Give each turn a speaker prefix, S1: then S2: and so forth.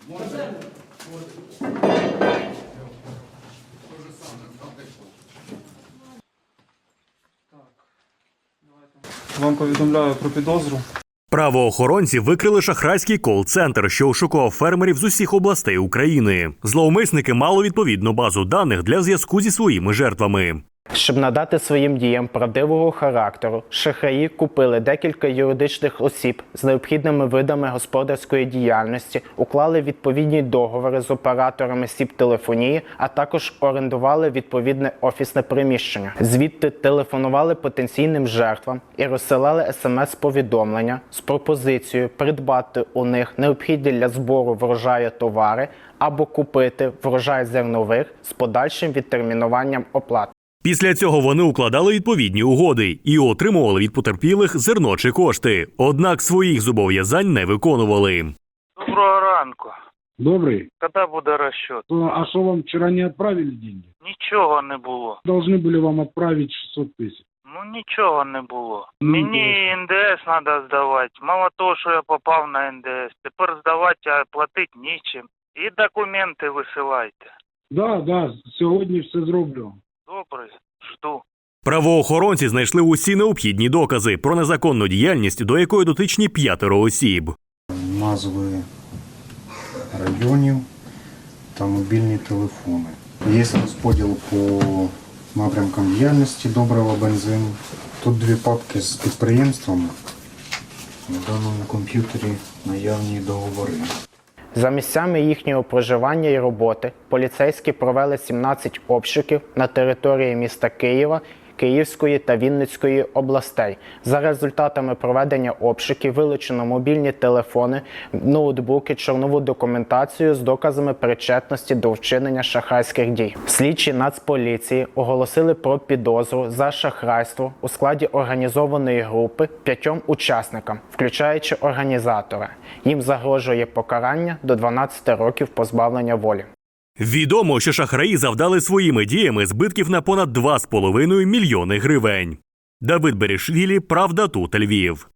S1: Вам повідомляю про підозру.
S2: Правоохоронці викрили шахрайський кол-центр, що ошукував фермерів з усіх областей України. Зловмисники мали відповідну базу даних для зв'язку зі своїми жертвами.
S3: Щоб надати своїм діям правдивого характеру, шахраї купили декілька юридичних осіб з необхідними видами господарської діяльності, уклали відповідні договори з операторами сіп-телефонії, а також орендували відповідне офісне приміщення. Звідти телефонували потенційним жертвам і розсилали смс-повідомлення з пропозицією придбати у них необхідні для збору врожаю товари або купити врожай зернових з подальшим відтермінуванням оплати.
S2: Після цього вони укладали відповідні угоди і отримували від потерпілих зерно чи кошти. Однак своїх зобов'язань не виконували.
S4: Доброго ранку.
S5: Добрый.
S4: Коли буде розчет?
S5: А что, вам вчера не отправили деньги?
S4: Нічого не було.
S5: Должны были вам отправить 600 тысяч.
S4: Ну нічого не було.
S5: Ну,
S4: Мені НДС треба здавати. Мало того, що я попав на НДС. Тепер здавати, а платити нічим. І документи висилайте.
S5: Да, сьогодні все зроблю.
S4: Добре, жду.
S2: Правоохоронці знайшли усі необхідні докази про незаконну діяльність, до якої дотичні 5 осіб.
S6: Назви районів та мобільні телефони. Є розподіл по напрямкам діяльності добрива, бензин. Тут дві папки з підприємствами. На даному комп'ютері наявні договори.
S3: За місцями їхнього проживання і роботи поліцейські провели 17 обшуків на території міста Києва, Київської та Вінницької областей. За результатами проведення обшуків вилучено мобільні телефони, ноутбуки, чорнову документацію з доказами причетності до вчинення шахрайських дій. Слідчі Нацполіції оголосили про підозру за шахрайство у складі організованої групи 5 учасникам, включаючи організатора. Їм загрожує покарання до 12 років позбавлення волі.
S2: Відомо, що шахраї завдали своїми діями збитків на понад 2,5 мільйони гривень. Давид Берішвілі, Правда тут, Львів.